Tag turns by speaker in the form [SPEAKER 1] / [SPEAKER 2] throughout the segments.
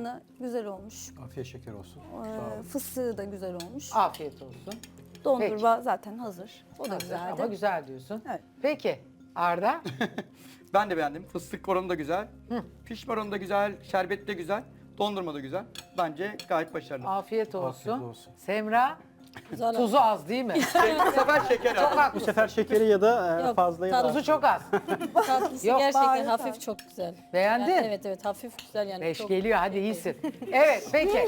[SPEAKER 1] tabanı güzel olmuş.
[SPEAKER 2] Afiyet şeker olsun. Sağ olun.
[SPEAKER 1] Fıstığı da güzel olmuş.
[SPEAKER 3] Afiyet olsun.
[SPEAKER 1] Dondurma zaten hazır. O da
[SPEAKER 3] Hazır
[SPEAKER 1] güzeldi.
[SPEAKER 3] ama güzel diyorsun.
[SPEAKER 1] Evet.
[SPEAKER 3] Peki Arda?
[SPEAKER 4] Ben de beğendim. Fıstık oranı da güzel. Pişme oranı da güzel. Şerbet de güzel. Dondurma da güzel. Bence gayet başarılı.
[SPEAKER 3] Afiyet olsun.
[SPEAKER 2] Afiyet olsun.
[SPEAKER 3] Semra?
[SPEAKER 1] Güzel
[SPEAKER 3] Tuzu az değil mi?
[SPEAKER 4] Bu sefer şeker
[SPEAKER 3] Çok
[SPEAKER 4] aldım.
[SPEAKER 2] Bu
[SPEAKER 3] haklısın.
[SPEAKER 2] sefer şekeri ya da
[SPEAKER 1] Yok,
[SPEAKER 2] fazla ya da
[SPEAKER 3] Tuzu çok az.
[SPEAKER 5] Tatlısı
[SPEAKER 3] Yok,
[SPEAKER 5] gerçekten
[SPEAKER 1] harika.
[SPEAKER 5] hafif çok güzel.
[SPEAKER 3] Beğendin?
[SPEAKER 5] Yani evet hafif güzel yani.
[SPEAKER 3] 5
[SPEAKER 5] çok...
[SPEAKER 3] geliyor hadi iyisin. Evet peki.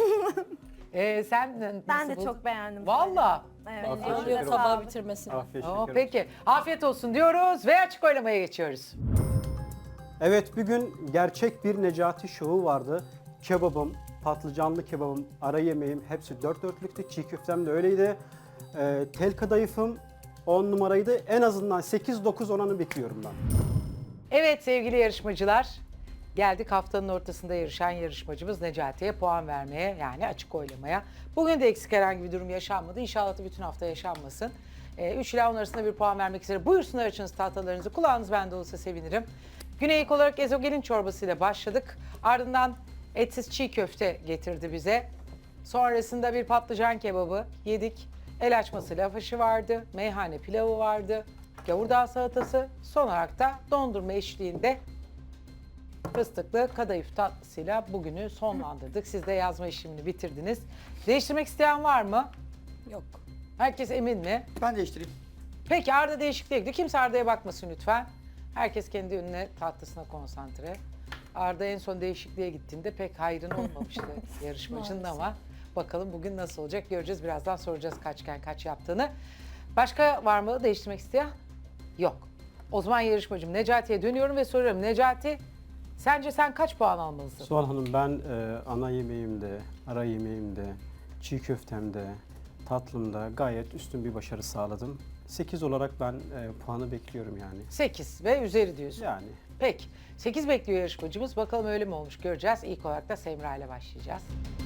[SPEAKER 3] Sen
[SPEAKER 6] Ben
[SPEAKER 3] nasıl
[SPEAKER 6] de
[SPEAKER 3] buldun?
[SPEAKER 6] çok beğendim.
[SPEAKER 3] Valla.
[SPEAKER 6] Evet.
[SPEAKER 2] Afiyet
[SPEAKER 5] Oluyor
[SPEAKER 2] şeker olsun.
[SPEAKER 5] tabağı bitirmesine.
[SPEAKER 2] Afiyet
[SPEAKER 3] Oo,
[SPEAKER 2] şeker olsun.
[SPEAKER 3] peki. Afiyet olsun diyoruz ve açık oylamaya geçiyoruz.
[SPEAKER 2] Evet, bugün gerçek bir Necati şovu vardı. Kebabım, patlıcanlı kebabım, ara yemeğim hepsi dört dörtlüktü. Çiğ köftem de öyleydi. Tel kadayıfım 10 numaraydı. En azından 8-9 oranı bekliyorum ben.
[SPEAKER 3] Evet sevgili yarışmacılar. Geldik haftanın ortasında yarışan yarışmacımız Necati'ye puan vermeye yani açık oylamaya. Bugün de eksik herhangi bir durum yaşanmadı. İnşallah da bütün hafta yaşanmasın. 3 ila 10 arasında bir puan vermek üzere. Buyursunlar açınız tahtalarınızı. Kulağınız bende olsa sevinirim. Güne ilk olarak ezogelin çorbasıyla başladık. Ardından etsiz çiğ köfte getirdi bize. Sonrasında bir patlıcan kebabı yedik. El açması lavaşı vardı. Meyhane pilavı vardı. Gavurdağ salatası. Son olarak da dondurma eşliğinde fıstıklı kadayıf tatlısıyla bugünü sonlandırdık. Siz de yazma işlemini bitirdiniz. Değiştirmek isteyen var mı?
[SPEAKER 5] Yok.
[SPEAKER 3] Herkes emin mi?
[SPEAKER 4] Ben değiştireyim.
[SPEAKER 3] Peki Arda değişikliğe gidiyor. Kimse Arda'ya bakmasın lütfen. Herkes kendi önüne tatlısına konsantre. Arda en son değişikliğe gittiğinde pek hayrın olmamıştı yarışmacının ama bakalım bugün nasıl olacak göreceğiz. Birazdan soracağız kaçken kaç yaptığını. Başka var mı değiştirmek isteyen? Yok. O zaman yarışmacım Necati'ye dönüyorum ve soruyorum. Necati sence sen kaç puan almalısın?
[SPEAKER 2] Suhal Hanım, ben ana yemeğimde, ara yemeğimde, çiğ köftemde, tatlımda gayet üstün bir başarı sağladım. 8 olarak ben puanı bekliyorum yani.
[SPEAKER 3] 8 ve üzeri diyorsun.
[SPEAKER 2] Yani
[SPEAKER 3] Peki. 8 bekliyor yarışmacımız. Bakalım öyle mi olmuş göreceğiz. İlk olarak da Semra ile başlayacağız.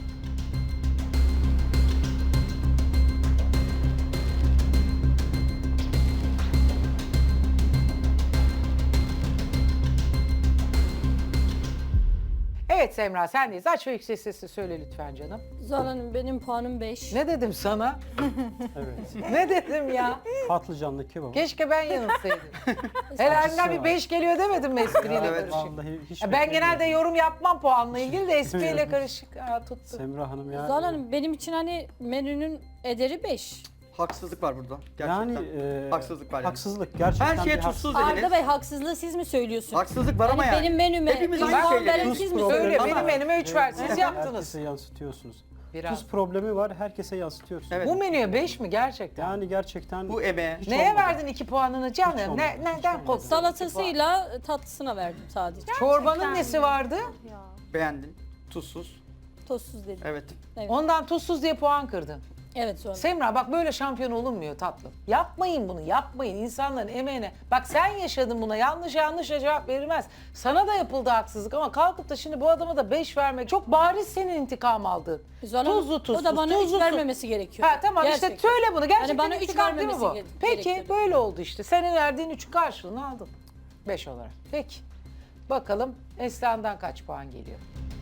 [SPEAKER 3] Evet Semra sendeyiz. Aç ve yüksek sesle söyle lütfen canım.
[SPEAKER 5] Zuhal Hanım benim puanım 5.
[SPEAKER 3] Ne dedim sana?
[SPEAKER 2] evet.
[SPEAKER 3] Ne dedim ya?
[SPEAKER 2] Patlıcanlı kebabı.
[SPEAKER 3] Keşke ben yanılsaydım. Herhalde bir 5 geliyor demedim mi espriyle
[SPEAKER 4] Evet,
[SPEAKER 3] karışık?
[SPEAKER 2] Vallahi hiç
[SPEAKER 3] Ya ben genelde
[SPEAKER 2] beklemiyordum.
[SPEAKER 3] yorum yapmam puanla ilgili de espriyle karışık. Aa, tuttu.
[SPEAKER 2] Semra Hanım ya.
[SPEAKER 5] Zuhal Hanım benim için hani menünün ederi 5.
[SPEAKER 4] Haksızlık var burada. Gerçekten.
[SPEAKER 2] Yani
[SPEAKER 4] haksızlık var yani.
[SPEAKER 2] haksızlık gerçekten
[SPEAKER 4] Her şeye
[SPEAKER 2] bir
[SPEAKER 4] tuzsuz
[SPEAKER 5] Arda
[SPEAKER 4] dediniz.
[SPEAKER 5] Bey haksızlığı siz mi söylüyorsun?
[SPEAKER 4] Haksızlık var ama
[SPEAKER 5] Yani
[SPEAKER 4] yani.
[SPEAKER 5] benim menüme
[SPEAKER 4] Hepimiz
[SPEAKER 5] bir
[SPEAKER 4] aynı
[SPEAKER 5] puan
[SPEAKER 4] şeyleri
[SPEAKER 5] veren
[SPEAKER 4] yiyoruz.
[SPEAKER 5] siz mi
[SPEAKER 2] Tuz
[SPEAKER 3] Öyle
[SPEAKER 2] problemi
[SPEAKER 3] benim
[SPEAKER 2] var.
[SPEAKER 3] menüme 3 ver. Siz
[SPEAKER 2] Evet,
[SPEAKER 3] yaptınız.
[SPEAKER 2] Herkese yansıtıyorsunuz.
[SPEAKER 3] Biraz.
[SPEAKER 2] Tuz problemi var, herkese yansıtıyorsunuz.
[SPEAKER 4] Evet.
[SPEAKER 3] Bu menüye 5 mi gerçekten?
[SPEAKER 2] Yani gerçekten
[SPEAKER 4] Bu emeğe.
[SPEAKER 2] hiç
[SPEAKER 3] Neye
[SPEAKER 2] olmadı.
[SPEAKER 3] verdin 2 puanını canım?
[SPEAKER 2] olmadı,
[SPEAKER 3] Neden
[SPEAKER 2] hiç olmadı.
[SPEAKER 3] korktun?
[SPEAKER 5] Salatasıyla tatlısına verdim sadece.
[SPEAKER 3] Çorbanın nesi vardı?
[SPEAKER 4] Beğendin. Tuzsuz.
[SPEAKER 5] Tozsuz dedim.
[SPEAKER 4] Evet.
[SPEAKER 3] Ondan tuzsuz diye puan kırdın.
[SPEAKER 5] Evet Zuhal Hanım.
[SPEAKER 3] Semra bak böyle şampiyon olunmuyor tatlım. Yapmayın bunu, yapmayın insanların emeğine. Bak sen yaşadın buna, yanlış cevap verilmez. Sana da yapıldı haksızlık ama kalkıp da şimdi bu adama da 5 vermek çok bariz senin intikam aldığın.
[SPEAKER 5] Zuhal Hanım,
[SPEAKER 3] Tuzlu tuzsuz,
[SPEAKER 5] o da bana 3
[SPEAKER 3] tuzlu,
[SPEAKER 5] vermemesi gerekiyor.
[SPEAKER 3] Ha tamam işte
[SPEAKER 5] Gerçekten.
[SPEAKER 3] söyle bunu. Gerçekten
[SPEAKER 5] Yani bana üç
[SPEAKER 3] intikam değil mi bu?
[SPEAKER 5] vermemesi
[SPEAKER 3] Peki
[SPEAKER 5] gerekiyordu.
[SPEAKER 3] böyle oldu işte. Senin verdiğin 3'ün karşılığını aldın. 5 olarak. Peki. Bakalım Esra'ndan kaç puan geliyor?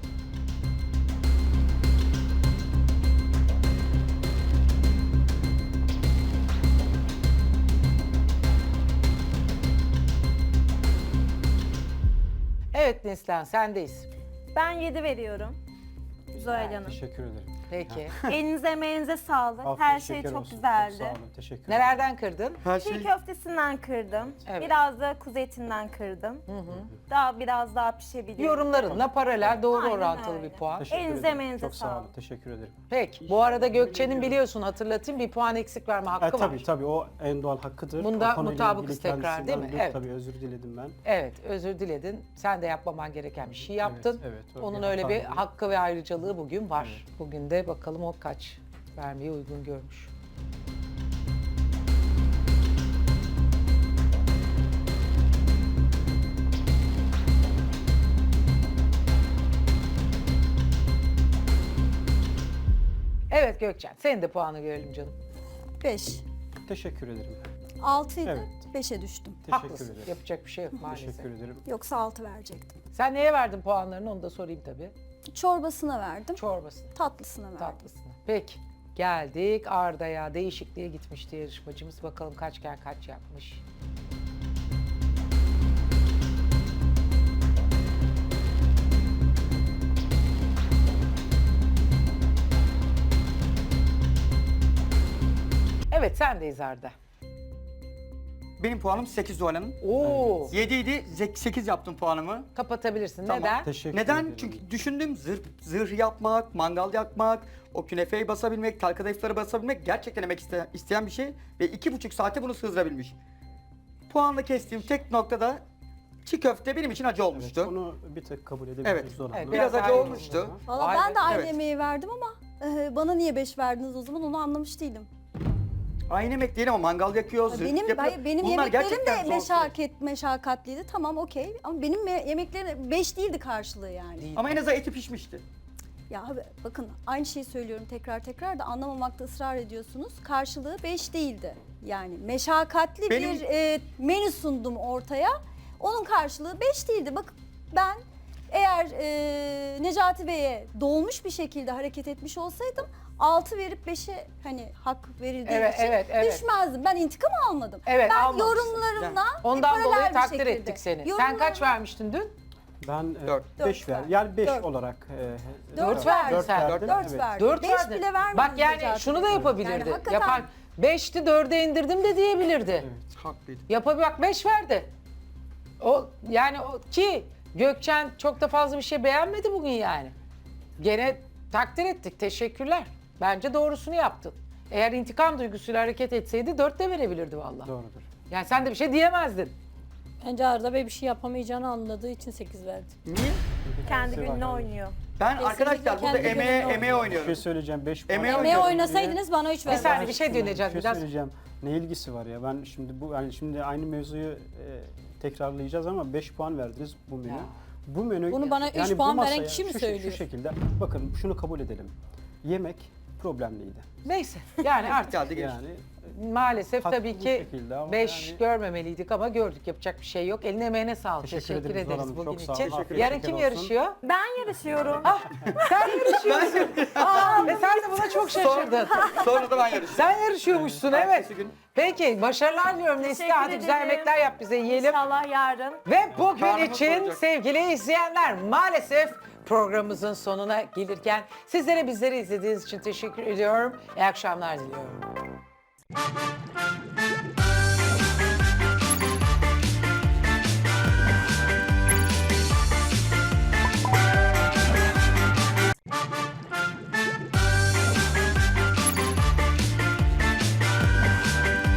[SPEAKER 3] Evet Neslihan sendeyiz.
[SPEAKER 6] Ben 7 veriyorum. Zuhal Hanım.
[SPEAKER 2] Teşekkür ederim.
[SPEAKER 3] Peki.
[SPEAKER 6] Elinize emeğinize sağlık.
[SPEAKER 2] Afiyet
[SPEAKER 6] Her şey
[SPEAKER 2] şeker
[SPEAKER 6] çok
[SPEAKER 2] olsun.
[SPEAKER 6] güzeldi.
[SPEAKER 2] Çok sağ olun, teşekkür ederim.
[SPEAKER 3] Nelerden kırdın?
[SPEAKER 4] Her
[SPEAKER 6] Çiğ
[SPEAKER 4] şey.
[SPEAKER 6] köftesinden kırdım.
[SPEAKER 3] Evet.
[SPEAKER 6] Biraz da kuzu etinden kırdım. Biraz daha pişebiliyor.
[SPEAKER 3] Yorumlarınla paralel doğru
[SPEAKER 6] Aynen
[SPEAKER 3] orantılı
[SPEAKER 6] öyle.
[SPEAKER 3] bir puan.
[SPEAKER 2] Teşekkür
[SPEAKER 6] Elinize
[SPEAKER 2] ederim.
[SPEAKER 6] emeğinize
[SPEAKER 2] Çok sağ olun,
[SPEAKER 6] sağlık.
[SPEAKER 2] teşekkür ederim.
[SPEAKER 3] Peki. Bu arada Gökçe'nin biliyorsun hatırlatayım bir puan eksik verme hakkı var.
[SPEAKER 2] Tabii o en doğal hakkıdır.
[SPEAKER 3] Bunda
[SPEAKER 2] O konuyla
[SPEAKER 3] mutabıkız
[SPEAKER 2] ilgili
[SPEAKER 3] tekrar, değil mi?
[SPEAKER 2] kendisinden
[SPEAKER 3] Evet.
[SPEAKER 2] Tabii özür diledim ben.
[SPEAKER 3] Evet özür diledin. Sen de yapmaman gereken bir şey yaptın.
[SPEAKER 2] evet, o
[SPEAKER 3] Onun
[SPEAKER 2] bir
[SPEAKER 3] öyle bir
[SPEAKER 2] hataydı.
[SPEAKER 3] hakkı ve ayrıcalığı bugün var. Bugün de bakalım o kaç vermeyi uygun görmüş. Evet Gökçen senin de puanı görelim canım.
[SPEAKER 1] 5.
[SPEAKER 2] Teşekkür ederim.
[SPEAKER 1] 6 idi.
[SPEAKER 2] Evet.
[SPEAKER 1] 5'e düştüm.
[SPEAKER 2] Teşekkür
[SPEAKER 3] Haklısın.
[SPEAKER 2] ederim.
[SPEAKER 3] Yapacak bir şey yok maalesef.
[SPEAKER 2] Teşekkür ederim.
[SPEAKER 1] Yoksa 6 verecektim.
[SPEAKER 3] Sen neye verdin puanlarını onu da sorayım tabii.
[SPEAKER 1] Çorbasına verdim.
[SPEAKER 3] Çorbasını,
[SPEAKER 1] Tatlısına verdim.
[SPEAKER 3] tatlısını. Peki. Geldik Arda'ya. Değişikliğe gitmişti yarışmacımız. Bakalım kaçken kaç yapmış. Evet sendeyiz Arda.
[SPEAKER 4] Benim puanım 8 Zuhal Hanım.
[SPEAKER 3] Oo.
[SPEAKER 4] 7 idi, 8 yaptım puanımı.
[SPEAKER 3] Kapatabilirsin.
[SPEAKER 4] Tamam.
[SPEAKER 3] Neden?
[SPEAKER 2] Teşekkür
[SPEAKER 4] Neden?
[SPEAKER 2] ederim.
[SPEAKER 4] Çünkü düşündüm zırh yapmak, mangal yakmak, o künefeyi basabilmek, tel kadayıfları basabilmek gerçekten emek isteyen bir şey. Ve 2,5 saate bunu sığdırabilmiş. Puanla kestiğim tek noktada çiğ köfte benim için acı olmuştu.
[SPEAKER 2] Evet, onu bir tık kabul edebiliriz.
[SPEAKER 4] Evet.
[SPEAKER 2] Zor
[SPEAKER 3] Evet,
[SPEAKER 2] Hanım.
[SPEAKER 4] Biraz
[SPEAKER 3] daha
[SPEAKER 4] acı
[SPEAKER 3] iyi
[SPEAKER 4] olmuştu.
[SPEAKER 1] Valla
[SPEAKER 3] Vay
[SPEAKER 1] ben
[SPEAKER 3] be.
[SPEAKER 1] de aynı
[SPEAKER 4] Evet.
[SPEAKER 1] emeği verdim ama bana niye 5 verdiniz o zaman onu anlamış değilim.
[SPEAKER 4] Aynı emek değil ama mangal yakıyor, zırh
[SPEAKER 1] Benim
[SPEAKER 4] yapıyor.
[SPEAKER 1] hayır, benim
[SPEAKER 4] Bunlar
[SPEAKER 1] yemeklerim
[SPEAKER 4] gerçekten
[SPEAKER 1] de
[SPEAKER 4] zor süreç.
[SPEAKER 1] meşakkatliydi. Tamam okey ama benim yemeklerim 5 değildi karşılığı yani.
[SPEAKER 3] Değil.
[SPEAKER 4] Ama en azından eti pişmişti.
[SPEAKER 1] Ya abi bakın aynı şeyi söylüyorum tekrar da anlamamakta ısrar ediyorsunuz. Karşılığı 5 değildi. Yani meşakkatli
[SPEAKER 4] Benim-
[SPEAKER 1] bir menü sundum ortaya. Onun karşılığı 5 değildi. Bak ben eğer Necati Bey'e dolmuş bir şekilde hareket etmiş olsaydım 6 verip 5'e hani hak verildiği
[SPEAKER 3] Evet,
[SPEAKER 1] için
[SPEAKER 3] evet.
[SPEAKER 1] düşmezdim. Ben intikam almadım.
[SPEAKER 3] Evet,
[SPEAKER 1] ben
[SPEAKER 3] almamışsın.
[SPEAKER 1] yorumlarımla
[SPEAKER 3] Ondan
[SPEAKER 1] paralel
[SPEAKER 3] dolayı
[SPEAKER 1] bir
[SPEAKER 3] takdir
[SPEAKER 1] şekilde.
[SPEAKER 3] ettik seni. Sen
[SPEAKER 1] Yorumlarımla-
[SPEAKER 3] kaç vermiştin dün?
[SPEAKER 2] Ben
[SPEAKER 4] Dört.
[SPEAKER 2] 5
[SPEAKER 1] Dört
[SPEAKER 2] ver.
[SPEAKER 1] verdim.
[SPEAKER 2] Yani 5
[SPEAKER 1] Dört.
[SPEAKER 2] olarak.
[SPEAKER 3] 4 verdin
[SPEAKER 2] dört
[SPEAKER 3] sen.
[SPEAKER 2] verdim,
[SPEAKER 1] 4
[SPEAKER 2] evet.
[SPEAKER 1] verdim.
[SPEAKER 3] 4
[SPEAKER 1] 5
[SPEAKER 3] verdin.
[SPEAKER 1] bile vermedim.
[SPEAKER 3] Bak yani
[SPEAKER 1] Necati
[SPEAKER 3] şunu da
[SPEAKER 1] Bey.
[SPEAKER 3] yapabilirdi.
[SPEAKER 1] Yani hakikaten-
[SPEAKER 3] Yapan 5'ti 4'e indirdim de diyebilirdi.
[SPEAKER 4] Haklıydı.
[SPEAKER 3] Bak 5 verdi. O yani ki Gökçen çok da fazla bir şey beğenmedi bugün yani. Gene takdir ettik. Teşekkürler. Bence doğrusunu yaptın. Eğer intikam duygusuyla hareket etseydi 4 de verebilirdi vallahi.
[SPEAKER 2] Doğrudur.
[SPEAKER 3] Yani sen de bir şey diyemezdin.
[SPEAKER 5] Bence Arda Bey bir şey yapamayacağını anladığı için 8 verdi.
[SPEAKER 4] Niye?
[SPEAKER 6] Kendi
[SPEAKER 2] Sever
[SPEAKER 6] gününe
[SPEAKER 2] yani.
[SPEAKER 6] oynuyor.
[SPEAKER 4] Ben
[SPEAKER 5] Kesinlikle
[SPEAKER 4] arkadaşlar burada
[SPEAKER 5] kendi
[SPEAKER 4] emeğe
[SPEAKER 5] gününde
[SPEAKER 4] emeğe
[SPEAKER 2] Bir
[SPEAKER 4] oynuyorum.
[SPEAKER 2] şey söyleyeceğim. 5 puan.
[SPEAKER 4] Emeğe
[SPEAKER 5] Emeğe
[SPEAKER 4] oynuyorum.
[SPEAKER 5] oynasaydınız bana 3
[SPEAKER 3] Bir
[SPEAKER 5] verdi.
[SPEAKER 3] saniye bir şey diyor Necati.
[SPEAKER 2] Bir şey
[SPEAKER 3] Biraz
[SPEAKER 2] söyleyeceğim. Ne ilgisi var ya? Ben şimdi şimdi aynı mevzuyu tekrarlayacağız ama 5 puan verdiniz bu menü.
[SPEAKER 3] Ya.
[SPEAKER 2] Bu menü
[SPEAKER 5] Bunu bana üç
[SPEAKER 2] bu
[SPEAKER 5] puan veren
[SPEAKER 2] masaya
[SPEAKER 5] kişi mi
[SPEAKER 2] şu
[SPEAKER 5] söylüyor?
[SPEAKER 2] Şu şekilde bakın şunu kabul edelim. Yemek problemliydi.
[SPEAKER 3] neyse. Yani artık
[SPEAKER 4] Geldi geçti.
[SPEAKER 2] Yani
[SPEAKER 3] maalesef
[SPEAKER 2] Haklı
[SPEAKER 3] tabii
[SPEAKER 2] bir
[SPEAKER 3] ki
[SPEAKER 2] şekilde ama
[SPEAKER 3] 5
[SPEAKER 2] yani-
[SPEAKER 3] görmemeliydik ama gördük. Yapacak bir şey yok. Eline emeğine sağlık.
[SPEAKER 2] Teşekkür
[SPEAKER 3] Teşekkür
[SPEAKER 2] ederiz Zuhal
[SPEAKER 3] ederiz
[SPEAKER 2] Hanım,
[SPEAKER 3] bugün
[SPEAKER 2] çok sağ
[SPEAKER 3] için.
[SPEAKER 2] olun. Afiyet
[SPEAKER 3] Yarın
[SPEAKER 2] şeker
[SPEAKER 3] kim
[SPEAKER 2] olsun.
[SPEAKER 3] yarışıyor?
[SPEAKER 6] Ben yarışıyorum.
[SPEAKER 3] Sen yarışıyorsun. Aa, ve sen de buna çok şaşırdın.
[SPEAKER 4] Sonra da ben yarıştım.
[SPEAKER 3] Sen yarışıyormuşsun evet.
[SPEAKER 4] Ertesi gün.
[SPEAKER 3] Peki başarılar diliyorum Neslihan.
[SPEAKER 6] Teşekkür
[SPEAKER 3] Hadi güzel
[SPEAKER 6] ederim.
[SPEAKER 3] yemekler yap bize yiyelim.
[SPEAKER 6] İnşallah yarın.
[SPEAKER 3] Ve bugün
[SPEAKER 4] Karnımız
[SPEAKER 3] için
[SPEAKER 4] doyacak.
[SPEAKER 3] sevgili izleyenler maalesef programımızın sonuna gelirken sizlere bizleri izlediğiniz için teşekkür ediyorum. İyi akşamlar diliyorum.